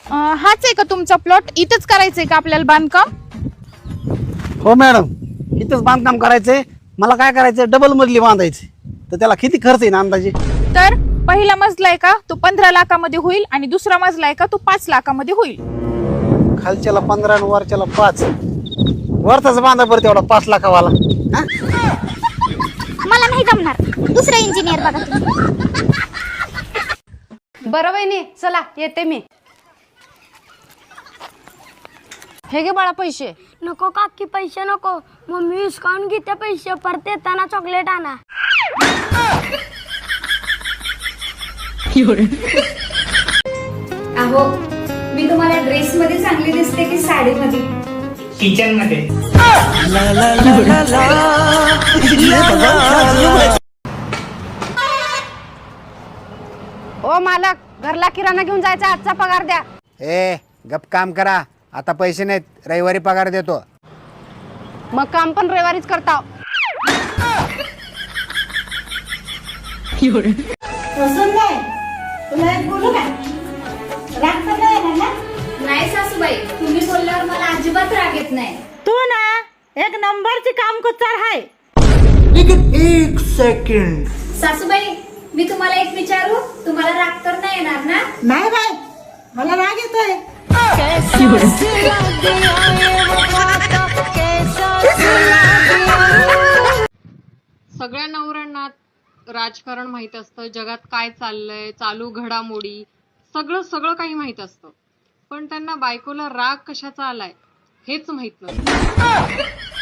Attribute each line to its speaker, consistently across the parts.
Speaker 1: हाच आहे का तुमचा प्लॉट? इथंच करायचंय का आपल्याला बांधकाम?
Speaker 2: हो मॅडम, इथंच बांधकाम करायचंय. मला काय करायचं, डबल मजली बांधायची. तर त्याला किती खर्च येईल अंदाजे?
Speaker 1: तर पहिला मजला आहे का तो 15 लाखामध्ये होईल आणि दुसरा मजला आहे का तो 5 लाखामध्ये होईल.
Speaker 2: खालच्याला 15 आणि वरच्याला 5. वरचाच बांधा बरं तेवढा 5 लाखावाला. हा?
Speaker 3: मला नाही जमणार, दुसरा इंजिनियर बघा तुम्ही.
Speaker 4: बरं वहिनी, चला येते मी. हे घे बाळा पैसे.
Speaker 3: नको काकी, पैसे नको. मम्मी विस्कावून घेते पैसे, परत येताना चॉकलेट आणा.
Speaker 5: अहो, मी तुम्हाला ड्रेस मध्ये चांगली दिसते की साडी मध्ये?
Speaker 6: किचन मध्ये.
Speaker 4: ओ मालक, घरला किराणा घेऊन जायचा, आजचा पगार द्या.
Speaker 7: ए गप काम करा, आता पैसे नाहीत, रविवारी पगार देतो.
Speaker 4: मग काम पण रविवारीच करता.
Speaker 5: नाही सासूबाई, तुम्ही बोलल्यावर मला अजिबात राग येत नाही.
Speaker 8: तू ना एक नंबरची काम कुचार आहे.
Speaker 6: एक सेकंड.
Speaker 5: सासूबाई, मी तुम्हाला एक विचारू, तुम्हाला राग तर नाही येणार ना?
Speaker 8: नाही बाय, मला राग येतोय.
Speaker 9: सगळ्या नवऱ्यांना राजकारण माहित असतं, जगात काय चाललंय, चालू घडामोडी सगळं सगळं काही माहित असतं, पण त्यांना बायकोला राग कशाचा आलाय हेच माहित नसतं.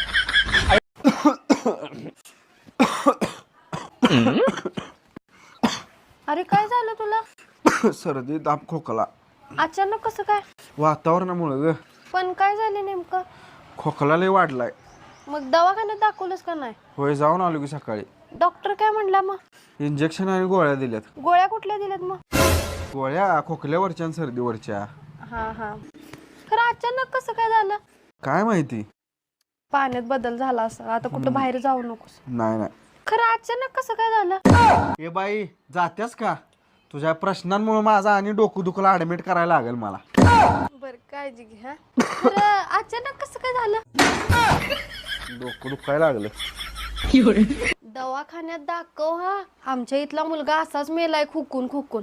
Speaker 4: अरे काय झालं तुला?
Speaker 10: सर्दी, ताप, खोकला.
Speaker 4: अचानक कसं काय?
Speaker 10: वातावरणामुळे ग.
Speaker 4: पण काय झालं नेमकं?
Speaker 10: खोकला लय वाढलाय.
Speaker 4: मग दवाखान्यात दाखवलंस का नाही?
Speaker 10: होय, जाऊन आलो की सकाळी.
Speaker 4: डॉक्टर काय म्हणला मग?
Speaker 10: इंजेक्शन आणि गोळ्या दिल्यात.
Speaker 4: गोळ्या कुठल्या दिल्यात मग?
Speaker 10: गोळ्या खोकल्यावरच्या आणि सर्दीवरच्या.
Speaker 4: हा हा. खरं अचानक कसं काय झालं?
Speaker 10: काय माहिती.
Speaker 4: पाण्यात बदल झाला असं. आता कुठं बाहेर जाऊ नकोस.
Speaker 10: नाही नाही.
Speaker 4: खरं अचानक कसं काय झालं?
Speaker 10: ए बाई, जात्यास का? तुझ्या प्रश्नांमुळे माझा आणि डोकं दुखला ऍडमिट करायला लागेल मला.
Speaker 4: बर, काळजी घे. हा, खरं अचानक कसं काय झालं?
Speaker 10: डोकं दुखायला लागलं.
Speaker 4: दवाखान्यात दाखव. हा, आमच्या इथला मुलगा असाच मेलाय खुकून खुकून.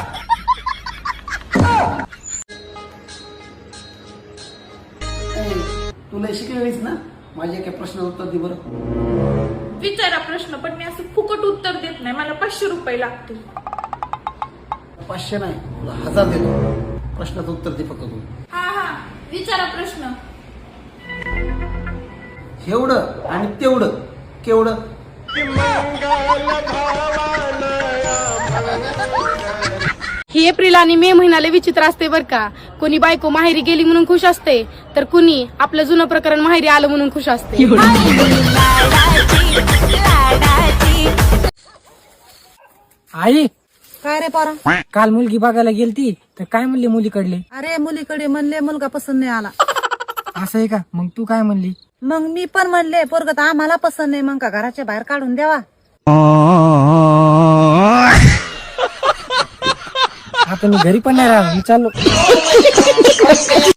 Speaker 2: तुला शिकलेलीस ना, माझ्या एका प्रश्नाचं उत्तर दे बरं.
Speaker 1: विचारा प्रश्न, पण मी असं फुकट उत्तर देत नाही. मला 500 रुपये लागतील.
Speaker 2: 500 नाही, तुला 1000 देतो. प्रश्नाचं उत्तर दे फक्त तू.
Speaker 1: हा, विचारा प्रश्न.
Speaker 2: एवढं आणि तेवढं केवढं?
Speaker 4: ही एप्रिल आणि मे महिन्याला विचित्र असते बर का. कोणी बायको माहेरी गेली म्हणून खुश असते, तर कुणी आपलं जुनं प्रकरण माहेरी आलं म्हणून खुश असते.
Speaker 8: आई काय रे पोरा, काल मुलगी बघायला गेलती तर काय म्हणली मुलीकडले? अरे मुलीकडे म्हणले मुलगा पसंत नाही आला. असं आहे का? मग तू काय म्हणली? मग मी पण म्हणले पोरग तर आम्हाला पसंत नाही, मग का घराच्या बाहेर काढून द्यावा. आता मी घरी पण नाही राहणार, मी चाललो.